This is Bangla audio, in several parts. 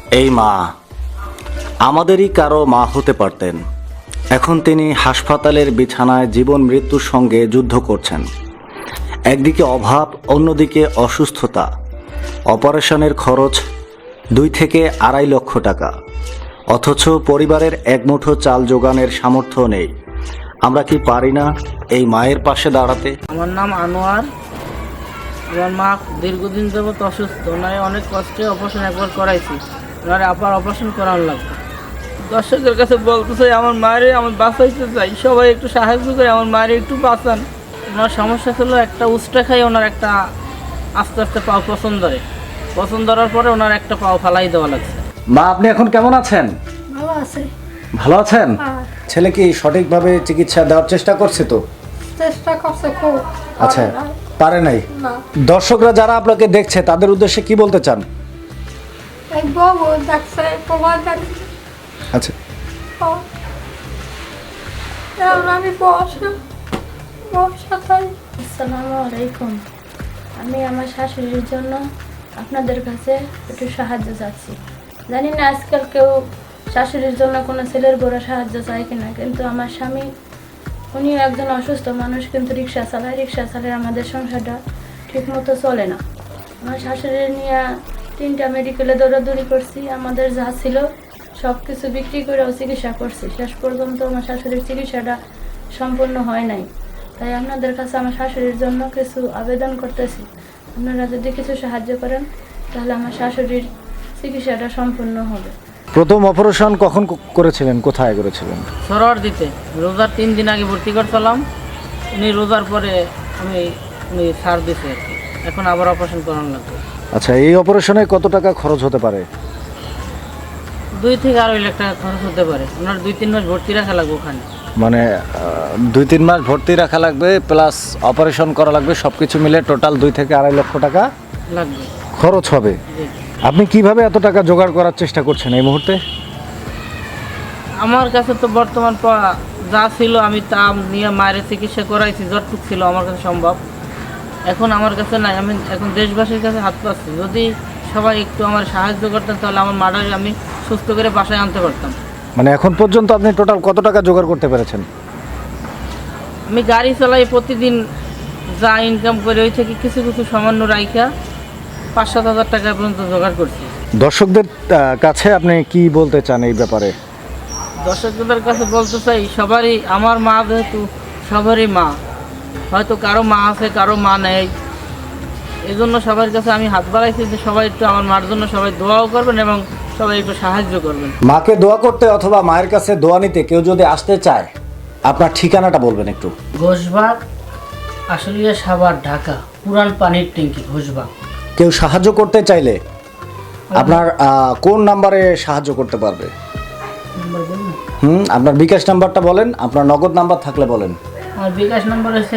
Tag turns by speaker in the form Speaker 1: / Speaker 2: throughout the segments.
Speaker 1: এই মা আমাদেরই কারো মা হতে পারতেন। এখন তিনি হাসপাতালের বিছানায় জীবন মৃত্যুর সঙ্গে যুদ্ধ করছেন। একদিকে অভাব, অন্যদিকে অসুস্থতা, অপারেশনের খরচ 2 থেকে 2.5 লক্ষ টাকা, অথচ পরিবারের এক মুঠো চাল জোগানের সামর্থ্য নেই। আমরা কি পারি না এই মায়ের পাশে দাঁড়াতে?
Speaker 2: আমার নাম আনোয়ার। আমার মা দীর্ঘদিন যাবত অসুস্থ। ওনারে অনেক কষ্টে অপারেশন একবার করাইছি, ওনারে আবার অপারেশন করানো লাগবে। দর্শকদের কাছে বলতে চাই, আমার মায়ের আমি বাঁচাইতে চাই, সবাই একটু সাহায্য করে আমার মায়ের একটু বাঁচান। ওনার সমস্যা ছিল একটা উস্টা খাই, ওনার একটা আস্তে আস্তে পাও পছন্দ ধরার পরে ওনার একটা পাও ফালাই দেওয়া লাগছে।
Speaker 1: মা, আপনি এখন কেমন আছেন?
Speaker 3: ভালো আছে।
Speaker 1: ভালো আছেন? ছেলে কি সঠিকভাবে চিকিৎসা দেওয়ার চেষ্টা করছে তো?
Speaker 3: চেষ্টা করছে খুব।
Speaker 1: আচ্ছা, পারে নাই।
Speaker 3: না,
Speaker 1: দর্শকরা যারা আপনাকে দেখছে তাদের উদ্দেশ্যে কি বলতে চান?
Speaker 3: এই বাবু দেখছে, প্রবাদ দেখছে।
Speaker 1: আচ্ছা,
Speaker 3: আমি বসা তাই। আসসালামু আলাইকুম। আমি আমার শাশুড়ির জন্য আপনাদের কাছে একটু সাহায্য চাচ্ছি। জানি না আজকাল কেউ শাশুড়ির জন্য কোনো ছেলের বড় সাহায্য চায় কিনা, কিন্তু আমার স্বামী উনিও একজন অসুস্থ মানুষ, কিন্তু রিক্সা চালায় আমাদের সংসারটা ঠিক মতো চলে না। আমার শাশুড়ি নিয়ে 3টা মেডিকেলে দৌড়াদৌড়ি করছি, আমাদের যা ছিল সব কিছু বিক্রি করেও চিকিৎসা করছি। শেষ পর্যন্ত আমার শাশুড়ির চিকিৎসাটা সম্পূর্ণ হয় নাই। তাই আপনাদের কাছে আমার শাশুড়ির জন্য কিছু আবেদন করতেছি। আপনারা যদি কিছু সাহায্য করেন তাহলে আমার শাশুড়ির চিকিৎসাটা সম্পূর্ণ হবে।
Speaker 1: প্রথম অপারেশন কখন করেছিলেন, কোথায় করেছিলেন?
Speaker 2: সরোয়ার দিতে রোজার 3 দিন আগে ভর্তি করছিলাম। উনি রোজার পরে উনি ছাড় দিছে আর কি। এখন আবার অপারেশন করানো লাগবে।
Speaker 1: আচ্ছা, এই অপারেশনে কত টাকা খরচ হতে পারে?
Speaker 2: 2 থেকে 2.5 লাখ টাকা খরচ হতে পারে। ওনার 2-3 মাস ভর্তি রাখা লাগবে ওখানে।
Speaker 1: মানে 2-3 মাস ভর্তি রাখা লাগবে, প্লাস অপারেশন করা লাগবে, সব কিছু মিলে টোটাল 2 থেকে 2.5 লক্ষ টাকা
Speaker 2: লাগবে,
Speaker 1: খরচ হবে।
Speaker 2: জি।
Speaker 1: আপনি কিভাবে এত টাকা জোগাড় করার চেষ্টা করছেন এই মুহূর্তে?
Speaker 2: আমার কাছে তো বর্তমান যা ছিল আমি তা নিয়ে মায়ের চিকিৎসা করাইছি, যতটুকু ছিল আমার কাছে সম্ভব। এখন আমার কাছে নাই, আমি এখন দেশবাসীর কাছে হাত পাচ্ছি। যদি সবাই একটু আমার সাহায্য করতেন তাহলে আমার মাটাকে আমি সুস্থ করে বাসায় আনতে পারতাম।
Speaker 1: মানে এখন পর্যন্ত আপনি টোটাল কত টাকা জোগাড় করতে পেরেছেন?
Speaker 2: আমি গাড়ি চালাই, প্রতিদিন যা ইনকাম করে ওই থেকে কিছু কিছু সামান্য রাইখা 5-7 হাজার টাকা পর্যন্ত জোগাড় করছি।
Speaker 1: দর্শকদের কাছে আপনি কি বলতে চান এই ব্যাপারে?
Speaker 2: দর্শকদের কাছে বলতে চাই, সবারই আমার মা, যেহেতু সবারই মা, হয়তো কারো মা আছে কারো মা নেই, এই জন্য সবার কাছে আমি হাত বাড়াইছি যে সবাই একটু আমার মার জন্য সবাই দোয়াও করবেন এবং সবাই একটু সাহায্য করবেন।
Speaker 1: মাকে দোয়া করতে অথবা মায়ের কাছে দোয়া নিতে কেউ যদি আসতে চায়, আপনার ঠিকানাটা বলবেন একটু।
Speaker 2: ঘোষবাগ, আশুলিয়া, সাভার, ঢাকা, পুরান পানির ট্যাঙ্কি, ঘোষবাগ।
Speaker 1: কেউ সাহায্য করতে চাইলে আপনার কোন নাম্বারে সাহায্য করতে পারবে?
Speaker 2: নাম্বার বলুন।
Speaker 1: আপনার বিকাশ নাম্বারটা বলেন, আপনার নগদ নাম্বার থাকলে বলেন।
Speaker 2: আমার বিকাশ নাম্বার হচ্ছে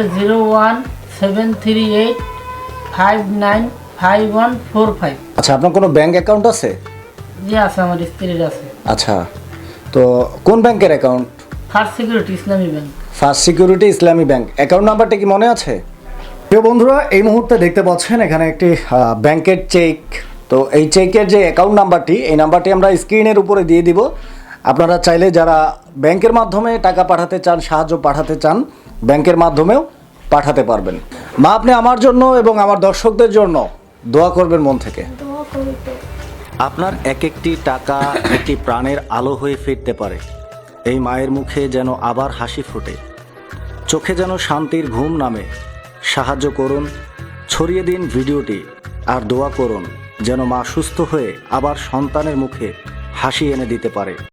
Speaker 2: 01738595145।
Speaker 1: আচ্ছা, আপনার কোনো ব্যাংক অ্যাকাউন্ট আছে?
Speaker 2: জি আছে, আমার স্ত্রীর আছে।
Speaker 1: আচ্ছা, তো কোন ব্যাংকের account?
Speaker 2: First Security Islami Bank.
Speaker 1: First Security Islami Bank. Account নাম্বারটা কি মনে আছে? প্রিয় বন্ধুরা, এই মুহূর্তে দেখতে পাচ্ছেন এখানে একটি ব্যাংকের চেক। তো এই চেকের যে অ্যাকাউন্ট নাম্বারটি, এই নাম্বারটি আমরা স্ক্রিনের উপরে দিয়ে দিব। আপনারা চাইলে যারা ব্যাংকের মাধ্যমে টাকা পাঠাতে চান, সাহায্য পাঠাতে চান, ব্যাংকের মাধ্যমেও পাঠাতে পারবেন। মা, আপনি আমার জন্য এবং আমার দর্শকদের জন্য দোয়া করবেন মন থেকে।
Speaker 3: দোয়া করতে
Speaker 1: আপনার এক একটি টাকা একটি প্রাণের আলো হয়ে ফিরতে পারে। এই মায়ের মুখে যেন আবার হাসি ফোটে, চোখে যেন শান্তির ঘুম নামে। সাহায্য করুন, ছড়িয়ে দিন ভিডিওটি, আর দোয়া করুন যেন মা সুস্থ হয়ে আবার সন্তানের মুখে হাসি এনে দিতে পারে।